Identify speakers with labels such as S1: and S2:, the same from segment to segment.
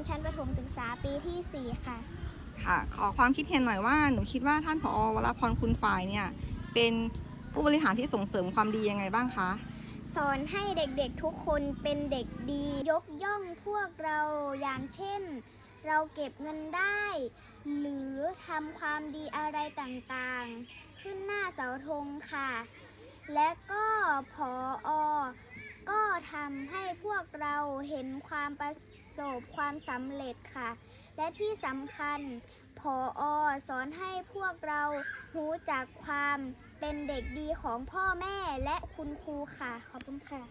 S1: ชั้นประถมศึกษาปีที่ 4 ค่ะ
S2: ค่ะขอความคิดเห็นหน่อยว่าหนูคิดว่าท่านผอ.วรพรคุณฝ่ายเนี่ยเป็นผู้บริหารที่ส่งเสริมความดียังไงบ้างคะ
S1: สอนให้เด็กๆทุกคนเป็นเด็กดียกย่องพวกเราอย่างเช่นเราเก็บเงินได้หรือทำความดีอะไรต่างๆขึ้นหน้าเสาธงค่ะและก็ผอ.ก็ทำให้พวกเราเห็นความประสบความสำเร็จค่ะและที่สำคัญผอ.สอนให้พวกเรารู้จักความเป็นเด็กดีของพ่อแม่และคุณครูค่ะขอบคุณค่ะ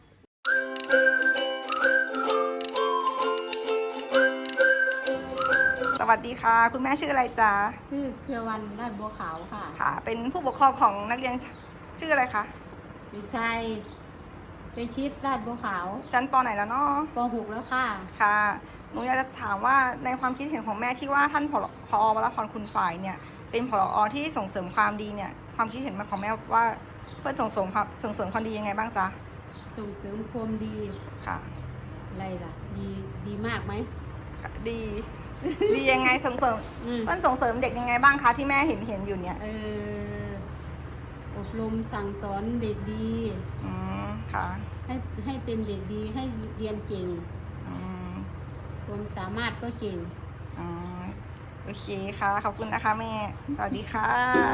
S2: สวัสดีค่ะคุณแม่ชื่ออะไรจ๊ะ
S3: ชื่อเครือวันลาดบัวขาวค่ะ
S2: ค่ะเป็นผู้ปกครองของนักเรียนชื่ออะไรคะ
S3: เด็กชายไปคิดลาดบัวขาว
S2: ชั้นป.ไหนแล้วเนาะ
S3: ป .6 แล้วค่ะ
S2: ค่ะหนูอยากจะถามว่าในความคิดเห็นของแม่ที่ว่าท่านผอ.วรพรคุณฝ่ายเนี่ยเป็นผอ.ที่ส่งเสริมความดีเนี่ยความคิดเห็นของแม่ว่าเพื่อส่งเสริมความดียังไงบ้างจ๊ะ
S3: ส่งเสริมความดี
S2: ค่ะ
S3: อะไรล่ะดีมากไหม
S2: ดีดียังไงส่งเสริมมันส่งเสริมเด็กยังไงบ้างคะที่แม่เห็นอยู่เนี่ย
S3: อบรมสั่งสอนเด็กดี
S2: ค่ะ
S3: ให้เป็นเด็กดีให้เรียนเก่งความสามารถก็เก่ง
S2: โอเคค่ะขอบคุณนะคะแม่สวัสดีค่ะ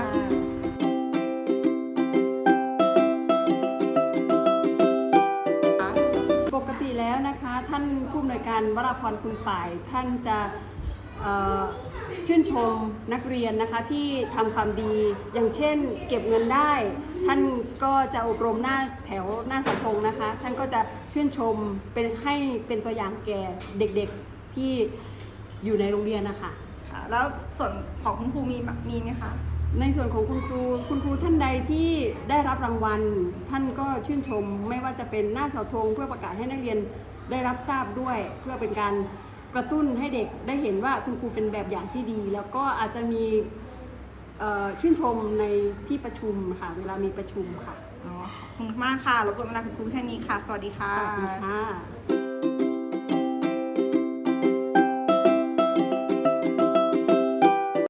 S4: ปกติแล้วนะคะท่านผู้อำนวยการวรพรคุณฝ่ายท่านจะชื่นชมนักเรียนนะคะที่ทำความดีอย่างเช่นเก็บเงินได้ท่านก็จะอบรมหน้าแถวหน้าเสาธงนะคะท่านก็จะชื่นชมให้เป็นตัวอย่างแก่เด็กๆที่อยู่ในโรงเรียนนะคะ
S2: ค่ะแล้วส่วนของคุณครูมีไหมคะ
S4: ในส่วนของคุณครูท่านใดที่ได้รับรางวัลท่านก็ชื่นชมไม่ว่าจะเป็นหน้าเสาธงเพื่อประกาศให้นักเรียนได้รับทราบด้วยเพื่อเป็นการกระตุ้นให้เด็กได้เห็นว่าคุณครูเป็นแบบอย่างที่ดีแล้วก็อาจจะมีชื่นชมในที่ประชุมค่ะเวลามีประชุมค่ะ
S2: ขอบคุณมากค่ะรบกวนเวลาคุณครูแค่นี้ค่ะสวัสดีค่ะ
S4: สวัสดีค่ะ